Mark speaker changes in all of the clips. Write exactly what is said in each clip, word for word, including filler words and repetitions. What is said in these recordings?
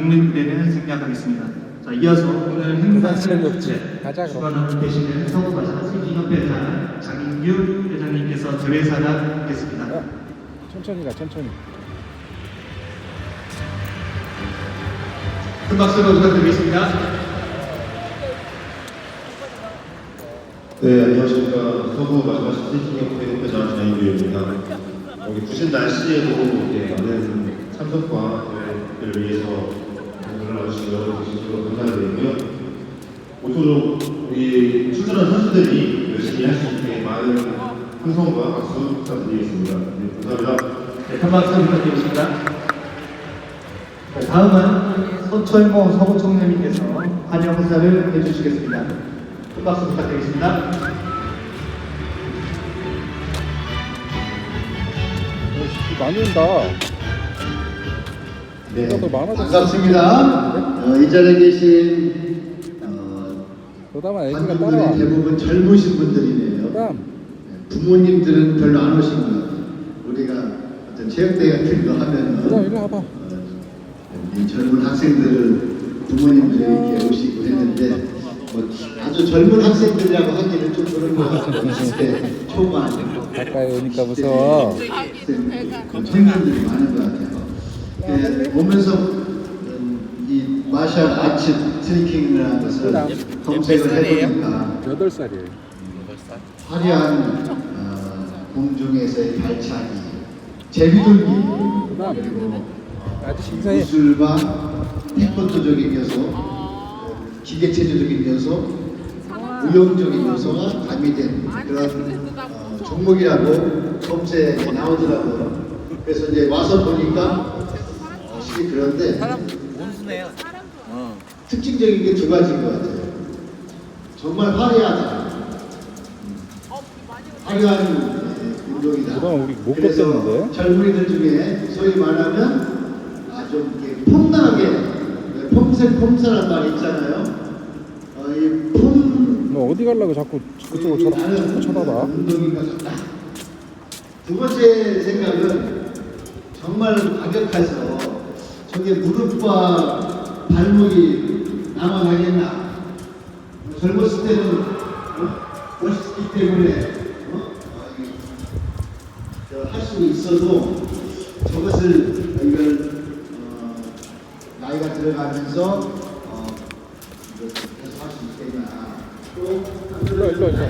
Speaker 1: 국민대회는 생략하겠습니다. 자, 이어서 오늘 행사를 주최 주관하고 계시는 서구마사 세계협회장 장인규 회장님께서 결의사를 하겠습니다.
Speaker 2: 어, 천천히 가, 천천히.
Speaker 1: 큰 박수로 부탁드리겠습니다.
Speaker 3: 네, 안녕하십니까. 서구 마지막 스테이킹협회 협회장 장인규입니다. 여기 부신 날씨에도 이렇게 많은 참석과 대회를 위해서 연락주신 여러분 진심으로 감사드리고요. 모쪼록 우리 출전한 선수들이 열심히 할 수 있게 많은 흥성과 박수 부탁드리겠습니다. 네, 감사합니다.
Speaker 1: 네, 큰 박수 부탁드리겠습니다. 네, 다음은 서철모 서구총장님께서 환영 인사를 해주시겠습니다. 큰 박수 부탁드리겠습니다.
Speaker 2: 어, 많이 온다.
Speaker 4: 네,
Speaker 2: 더 많아졌어.
Speaker 4: 반갑습니다. 어, 이 자리에 계신 어,
Speaker 2: 그다음에 애기가
Speaker 4: 관중들이
Speaker 2: 따라와.
Speaker 4: 대부분 젊으신 분들이네요.
Speaker 2: 그다음
Speaker 4: 네, 부모님들은 별로 안 오신 것 같아요. 우리가 어떤 체육대회 같은 거 하면은
Speaker 2: 그다음 이리 와봐.
Speaker 4: 어, 이 젊은 학생들을 부모님들이 이렇게 오시고 했는데 뭐 아주 젊은 학생들이라고 하기는 좀 그런 것 같아요. 이십 대 초반
Speaker 2: 가까이 오니까 무서워.
Speaker 4: 청년들이 많은 것 같아요. 예, 보면서 음, 이 마셜 아츠 트리킹이라는 것을 검색을 해보니까
Speaker 2: 여덟 살이에요.
Speaker 4: 화려한 어, 공중에서의 발차기, 제비돌기,
Speaker 2: 그다음
Speaker 4: 그리고
Speaker 2: 아주 신사해.
Speaker 4: 기술과 태권도적인 요소, 어, 기계체조적인 요소, 무용적인 요소가 가미된 그런 어, 종목이라고 검색에 나오더라고요. 그래서 이제 와서 보니까 어, 실이 그런데
Speaker 5: 원수네요. 어.
Speaker 4: 특징적인 게 두 가지인 것 같아요. 정말 화려하다. 화려한 예, 운동이다.
Speaker 2: 그동안 우리 못
Speaker 4: 그래서
Speaker 2: 걷겠는데?
Speaker 4: 젊은이들 중에 소위 말하면 아, 좀 이렇게 폼나게 폼생 폼사란 말 있잖아요. 어, 이 폼.
Speaker 2: 너 어디 가려고 자꾸 그쪽으로 쳐다, 자꾸 쳐다봐.
Speaker 4: 운동인 것 같다. 두 번째 생각은 정말 과격해서 저게 무릎과 발목이 남아가겠나. 젊었을 때는 어? 멋있기 때문에 어? 어, 할 수 있어도 저것을 이걸 어, 나이가 들어가면서 어, 이걸 계속 할 수 있겠나. 또
Speaker 2: 일로, 일로, 일로.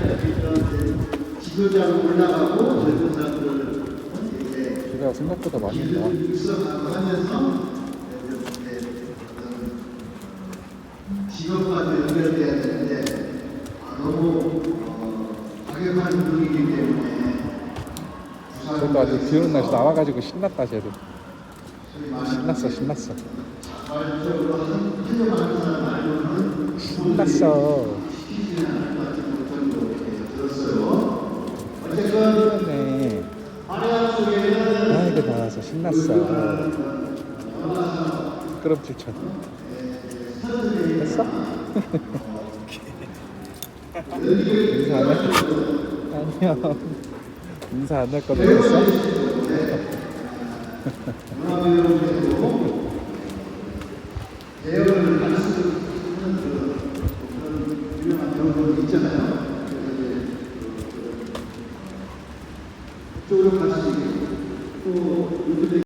Speaker 4: 지도자로 올라가고 젊은 사람들을 이제
Speaker 2: 제가 생각보다 많이 온다.
Speaker 4: 기술을 육성하고 하면서 이제 직업과도 연결돼야 되는데 아, 너무 어, 과격한 운동이기 때문에
Speaker 2: 저도 아주 비 오는 날씨 나와가지고 신났다, 쟤도. 신났어, 신났어.
Speaker 4: 자발적으로 하려고 사람 말고는
Speaker 2: 신났어.
Speaker 4: 시키지는 않을 것 같은 정도 들었어요. 어쨌건
Speaker 2: 네.
Speaker 4: 화려한 속에는
Speaker 2: 아이고, 나와서 신났어. 그럼 칠천. 됐어? 인사 안 할? 안녕. 인사 안 할 거면 됐어?
Speaker 4: 대열을 할 수 있는 그런 유명한 경우도 있잖아요. 그쪽으로 같이 또